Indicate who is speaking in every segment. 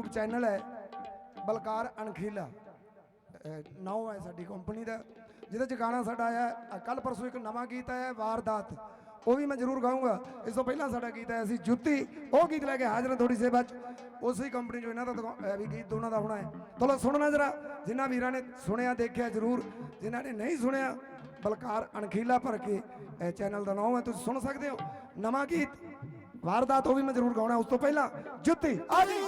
Speaker 1: YouTube channel है बलकार अणखीला नाम है साडी कंपनी का जिहदे च गाना साडा आया कल परसों एक नवा गीत आया वारदात वो भी मैं जरूर गाऊंगा। इस तो पहला साडा गीत आया सी जुत्ती वो गीत लैके हाजिर थोड़ी सेवा उस ही कंपनी जो इन्हों का भी गीत दोनों का होना है। चलो सुनना जरा जिन्होंने वीर ने सुनिया देखिया जरूर जिन्होंने नहीं सुनिया बलकार अणखीला भर के चैनल का नाम है तुम सुन सकते हो। नवा गीत वारदात वो भी मैं जरूर गाना उस तो पहला जुत्ती आ जी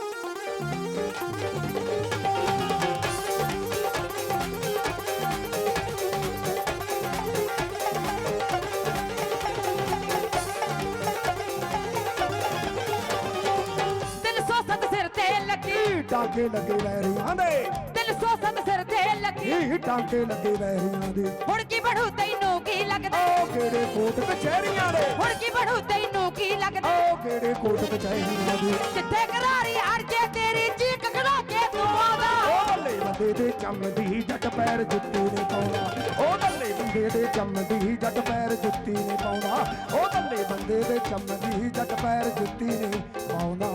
Speaker 1: टांके लगे वैरियां दे
Speaker 2: दिल सो सत सिर ते लगी
Speaker 1: टांके लगे वैरियां दे
Speaker 2: हुण की बढ़ू तैनू की लगदा
Speaker 1: ओ केड़े कोट कचहरियां दे
Speaker 2: हुण की बढ़ू तैनू की लगदा
Speaker 1: ओ केड़े कोट कचहरियां दे
Speaker 2: जिथे करारी हर जे तेरी चीक खड़ा के तू आदा
Speaker 1: ओ बल्ले बंदे दे चमदी जट पैर जुत्ती ने पाउंदा ओ बल्ले बंदे दे चमदी जट पैर जुत्ती ने पाउंदा ओ बल्ले बंदे दे चमदी जट पैर जुत्ती ने पाउंदा।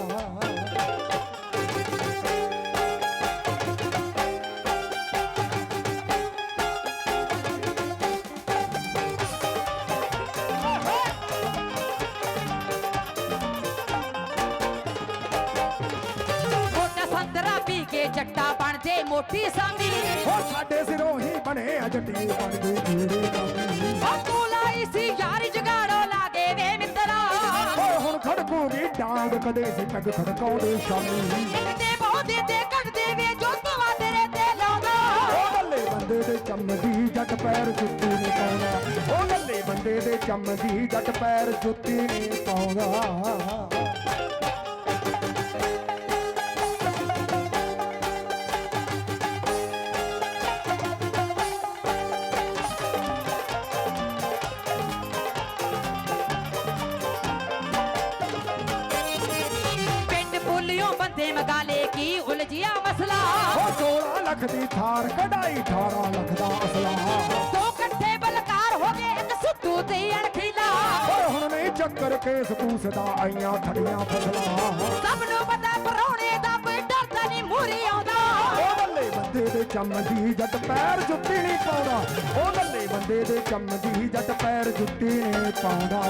Speaker 2: जट्टा बन दे मोटी सामी
Speaker 1: ओ साडे सिरों ही बने जट्टी बन गई तेरे नामी
Speaker 2: ओ तू लाई सी यारी जगाड़ो लागे वे मित्रा
Speaker 1: ओ हुण खड़कूगी डांग कदे सी पग खड़काउंदे शामी
Speaker 2: इकते बहुते ते कटदे वे जो तवा तेरे ते लाउंदा
Speaker 1: ओ बल्ले बंदे दे चमदी जट पैर जुत्ती ने पाउंदा ओ बल्ले बंदे दे चमदी जट पैर जुत्ती ने पाउंदा।
Speaker 2: मगाले की उलझिया मसला
Speaker 1: 16 लाख दी थार कढ़ाई 18 लाख दा असला
Speaker 2: दो कट्ठे बलकार हो गए एक सिद्धू ते अणखीला
Speaker 1: हुण नहीं चक्कर केस पूसदा आईयां खड़ियां फसला
Speaker 2: सब नु पता परौणे दा कोई डरदा नहीं मूरी आउंदा
Speaker 1: ओ बल्ले बंदे दे चमदी जट पैर जुत्ती नहीं पाउंदा ओ बल्ले बंदे दे चमदी जट पैर जुत्ती नहीं पाउंदा।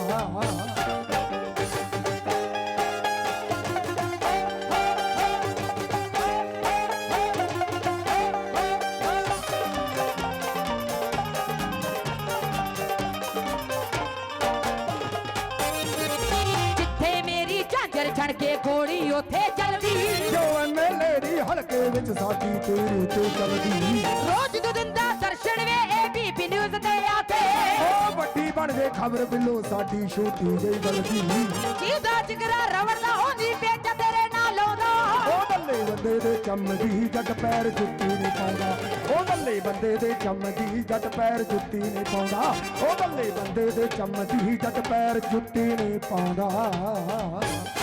Speaker 2: छड़ के गोली उथे चलदी
Speaker 1: जो एमएलए दी हलके विच साडी तेरे ते चलदी
Speaker 2: रोज दो दिन दा दर्शन वे एबीपी न्यूज़ ते आते
Speaker 1: ओ बड़ी बन गई खबर बिलो साडी छोटी जई गलती
Speaker 2: जीदा जिगरा रवण दा होंदी बेटा तेरे नाल लाउंदा
Speaker 1: ओ बल्ले बंदे दे चमदी जट पैर जुत्ती नहीं पाउंदा ओ बल्ले बंदे दे चमदी जट पैर जुत्ती नहीं पाउंदा ओ बल्ले बंदे दे चमदी जट पैर जुत्ती नहीं पाउंदा।